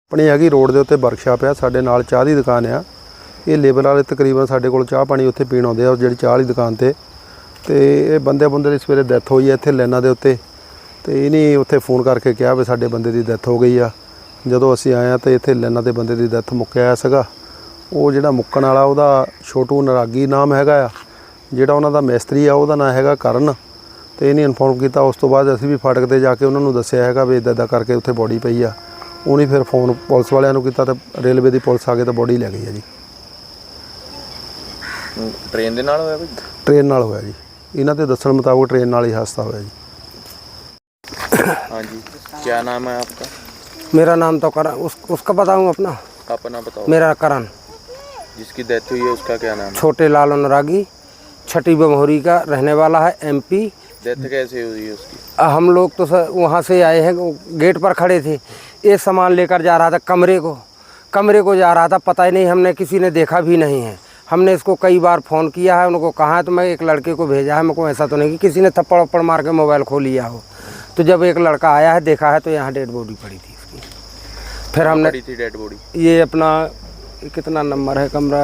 अपनी हैगी रोड के उत्ते वर्कशाप आ साडे नाल चाह की दुकान आ। ये लेबर वाले तकरीबन साडे कोल चाह पानी उत्थे पीण आउंदे आ जिहड़ी चाह वाली दुकान ते ये बंदे की सवेरे डैथ हुई है इत्थे लाइनां दे उत्ते ते इन्हीं उत्थे फोन करके कहा भी साडे बंदे की डैथ हो गई आ। जदों असीं आए तो इत्थे लाइनां दे बंदे की डैथ मुक्किया सीगा। वो जिहड़ा मुक्कण वाला उहदा छोटू नरागी नाम हैगा आ, जिहड़ा उहनां दा मिस्त्री आ उहदा नाम हैगा करण। तो इन्हें इनफॉर्म किया। उस तो बाद असीं भी फाटक ते जाके उन्होंने दस्सिया हैगा भी इदां इदां करके उत्थे बॉडी पई आ। उन्हें फिर फोन पुलिस वालियां नूं कीता ते रेलवे की पुलिस आ गई तो बॉडी लै गई है जी। ट्रेन दे नाल होया भाई? ट्रेन नाल होया जी, इन्हां दे दस्सण मुताबिक ट्रेन नाल ही हादसा होया जी। हाँ जी, क्या नाम है आपका? मेरा नाम तो करण, उसका बताऊँ अपना? अपना बताओ। मेरा करण। जिसकी डेथ हुई है उसका क्या नाम है? छोटे लाल अनुरागी, छठी बमोरी का रहने वाला है, MP। डेथ कैसे हुई है उसकी? हम लोग तो सर वहाँ से आए हैं, गेट पर खड़े थे। ये सामान लेकर जा रहा था कमरे को जा रहा था, पता ही नहीं, हमने किसी ने देखा भी नहीं है। हमने इसको कई बार फ़ोन किया है, उनको कहा है तो मैं एक लड़के को भेजा है। मेरे को ऐसा तो नहीं कि किसी ने थप्पड़ वप्पड़ मार के मोबाइल खो लिया हो। तो जब एक लड़का आया है देखा है तो यहाँ डेड बॉडी पड़ी थी इसकी। फिर हमने पड़ी थी डेड बॉडी? ये अपना कितना नंबर है, कमरा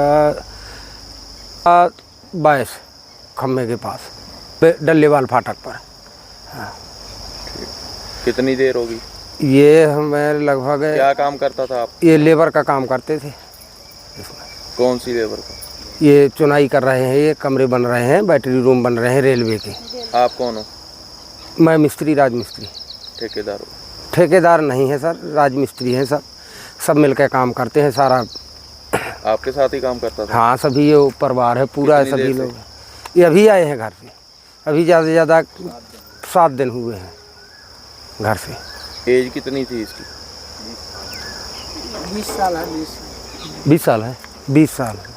22 खम्भे के पास डल्लेवाल फाटक पर। हाँ। कितनी देर होगी? ये हमें लगभग, क्या काम करता था आप? ये लेबर का काम करते थे। कौन सी लेबर का? ये चुनाई कर रहे हैं, ये कमरे बन रहे हैं, बैटरी रूम बन रहे हैं रेलवे के। आप कौन हो? मैं मिस्त्री, राजमिस्त्री। ठेकेदार हो? ठेकेदार नहीं है सर, राजमिस्त्री हैं सब मिलकर काम करते हैं सारा। आपके साथ ही काम करता था? हाँ, सभी ये परिवार है पूरा, सभी लोग। ये अभी आए हैं घर से, अभी ज़्यादा से ज़्यादा 7 दिन हुए हैं घर से। एज कितनी थी इसकी? 20 साल है। 20 साल है, 20 साल है।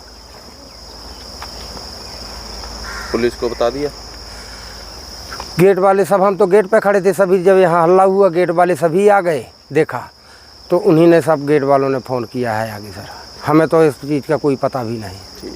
पुलिस को बता दिया? गेट वाले सब, हम तो गेट पे खड़े थे सभी, जब यहाँ हल्ला हुआ गेट वाले सभी आ गए, देखा तो उन्हीं ने सब गेट वालों ने फ़ोन किया है आगे। सर हमें तो इस चीज़ का कोई पता भी नहीं।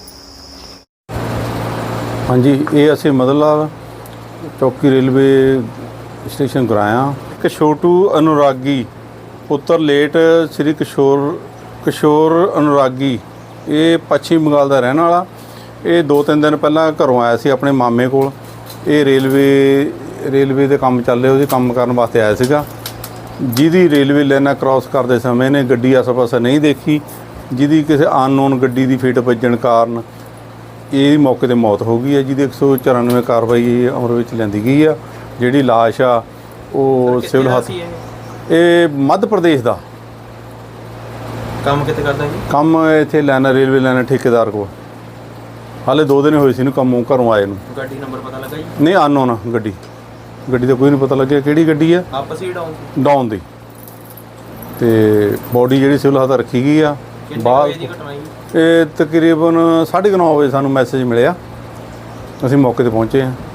हाँ जी, ये असीं मदनलाल चौकी रेलवे स्टेशन कराया। कि छोटू अनुरागी पुत्र लेट श्री किशोर अनुरागी, ये पश्चिम बंगाल का रहने वाला। ये 2-3 दिन पहला घरों आया सी अपने मामे कोल। ये रेलवे के काम चल रहे, उसके काम करने वास्ते आया सीगा। जिहदी रेलवे लाइनां क्रॉस करते समय ने गड्डी आस पास नहीं देखी, जिहदी किसी अननोन गड्डी की फिट वजन कारण ये मौके पर मौत हो गई है, जिहदी 194 कार्रवाई अमल में लिआंदी गई है। जिहड़ी लाश आ वो सिविल हस्पताल, ये मध्य प्रदेश का काम कितने करता है? काम इत्थे लाइना रेलवे लाइना ठेकेदार को। हाले 2 दिन होए सी नूं घरों आए नूं। गड्डी नंबर पता लगा जी? नहीं, अननोन गड्डी का कोई नहीं पता लगे किहड़ी गड्डी है। आपस ही डाउन दी ते बॉडी जिहड़ी सिविल हस्पताल रखी गई आ। बाहर ये तकरीबन 9:30 बजे सानूं मैसेज मिलिया, असीं मौके ते पहुंचे हैं।